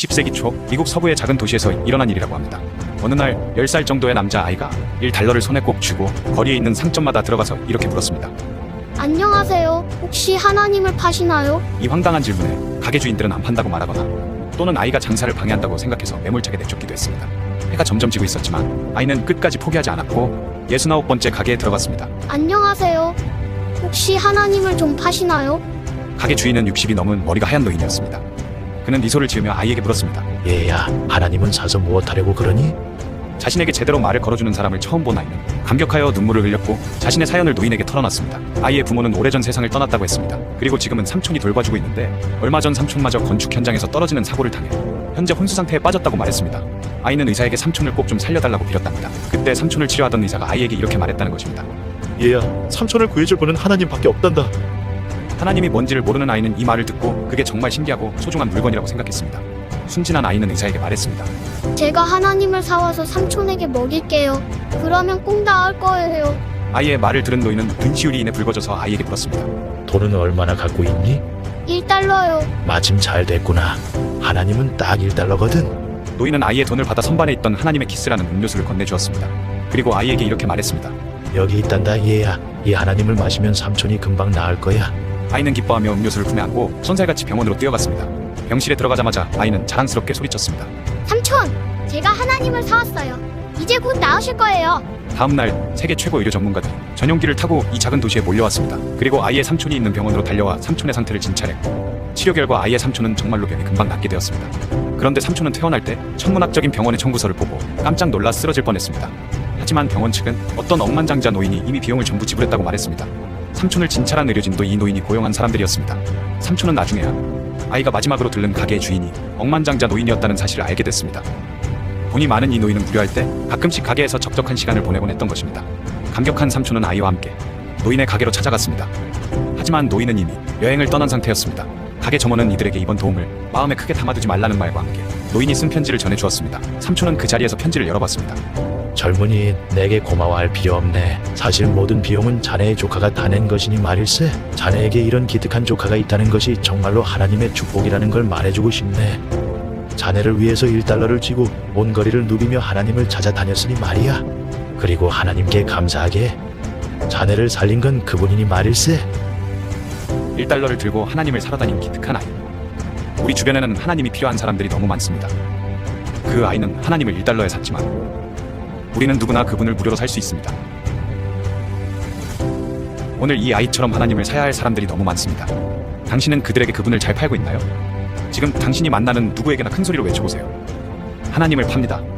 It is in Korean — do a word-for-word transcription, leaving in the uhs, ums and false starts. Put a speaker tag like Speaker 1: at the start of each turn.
Speaker 1: 이십 세기 초 미국 서부의 작은 도시에서 일어난 일이라고 합니다. 어느 날 열 살 정도의 남자아이가 일 달러를 손에 꼭 쥐고 거리에 있는 상점마다 들어가서 이렇게 물었습니다.
Speaker 2: 안녕하세요. 혹시 하나님을 파시나요?
Speaker 1: 이 황당한 질문에 가게 주인들은 안 판다고 말하거나 또는 아이가 장사를 방해한다고 생각해서 매몰차게 내쫓기도 했습니다. 해가 점점 지고 있었지만 아이는 끝까지 포기하지 않았고 예순아홉 번째 가게에 들어갔습니다.
Speaker 2: 안녕하세요. 혹시 하나님을 좀 파시나요?
Speaker 1: 가게 주인은 육십이 넘은 머리가 하얀 노인이었습니다. 그는 미소를 지으며 아이에게 물었습니다.
Speaker 3: 얘야, 하나님은 사서 무엇하려고 그러니?
Speaker 1: 자신에게 제대로 말을 걸어주는 사람을 처음 본 아이는 감격하여 눈물을 흘렸고 자신의 사연을 노인에게 털어놨습니다. 아이의 부모는 오래전 세상을 떠났다고 했습니다. 그리고 지금은 삼촌이 돌봐주고 있는데 얼마 전 삼촌마저 건축 현장에서 떨어지는 사고를 당해 현재 혼수 상태에 빠졌다고 말했습니다. 아이는 의사에게 삼촌을 꼭 좀 살려달라고 빌었답니다. 그때 삼촌을 치료하던 의사가 아이에게 이렇게 말했다는 것입니다.
Speaker 3: 얘야, 삼촌을 구해줄 분은 하나님밖에 없단다.
Speaker 1: 하나님이 뭔지를 모르는 아이는 이 말을 듣고 그게 정말 신기하고 소중한 물건이라고 생각했습니다. 순진한 아이는 의사에게 말했습니다.
Speaker 2: 제가 하나님을 사와서 삼촌에게 먹일게요. 그러면 꼭 나을 거예요.
Speaker 1: 아이의 말을 들은 노인은 눈시울이 인해 붉어져서 아이에게 물었습니다.
Speaker 3: 돈은 얼마나 갖고 있니?
Speaker 2: 일 달러요.
Speaker 3: 마침 잘 됐구나. 하나님은 딱 일 달러거든.
Speaker 1: 노인은 아이의 돈을 받아 선반에 있던 하나님의 키스라는 음료수를 건네주었습니다. 그리고 아이에게 이렇게 말했습니다.
Speaker 3: 여기 있단다 얘야. 이 하나님을 마시면 삼촌이 금방 나을 거야.
Speaker 1: 아이는 기뻐하며 음료수를 품에 안고 손살같이 병원으로 뛰어갔습니다. 병실에 들어가자마자 아이는 자랑스럽게 소리쳤습니다.
Speaker 2: 삼촌, 제가 하나님을 사왔어요. 이제 곧 나으실 거예요.
Speaker 1: 다음날 세계 최고 의료 전문가들이 전용기를 타고 이 작은 도시에 몰려왔습니다. 그리고 아이의 삼촌이 있는 병원으로 달려와 삼촌의 상태를 진찰했고 치료 결과 아이의 삼촌은 정말로 병이 금방 낫게 되었습니다. 그런데 삼촌은 퇴원할 때 천문학적인 병원의 청구서를 보고 깜짝 놀라 쓰러질 뻔했습니다. 하지만 병원 측은 어떤 억만장자 노인이 이미 비용을 전부 지불했다고 말했습니다. 삼촌을 진찰한 의료진도 이 노인이 고용한 사람들이었습니다. 삼촌은 나중에야 아이가 마지막으로 들른 가게의 주인이 억만장자 노인이었다는 사실을 알게 됐습니다. 돈이 많은 이 노인은 무료할 때 가끔씩 가게에서 적적한 시간을 보내곤 했던 것입니다. 감격한 삼촌은 아이와 함께 노인의 가게로 찾아갔습니다. 하지만 노인은 이미 여행을 떠난 상태였습니다. 가게 점원은 이들에게 이번 도움을 마음에 크게 담아두지 말라는 말과 함께 노인이 쓴 편지를 전해주었습니다. 삼촌은 그 자리에서 편지를 열어봤습니다.
Speaker 3: 젊은이, 내게 고마워할 필요 없네. 사실 모든 비용은 자네의 조카가 다 낸 것이니 말일세. 자네에게 이런 기특한 조카가 있다는 것이 정말로 하나님의 축복이라는 걸 말해주고 싶네. 자네를 위해서 일 달러를 쥐고 온 거리를 누비며 하나님을 찾아다녔으니 말이야. 그리고 하나님께 감사하게 자네를 살린 건 그분이니 말일세.
Speaker 1: 일 달러를 들고 하나님을 살아다닌 기특한 아이. 우리 주변에는 하나님이 필요한 사람들이 너무 많습니다. 그 아이는 하나님을 일 달러에 샀지만 우리는 누구나 그분을 무료로 살 수 있습니다. 오늘 이 아이처럼 하나님을 사야 할 사람들이 너무 많습니다. 당신은 그들에게 그분을 잘 팔고 있나요? 지금 당신이 만나는 누구에게나 큰 소리로 외쳐보세요. 하나님을 팝니다.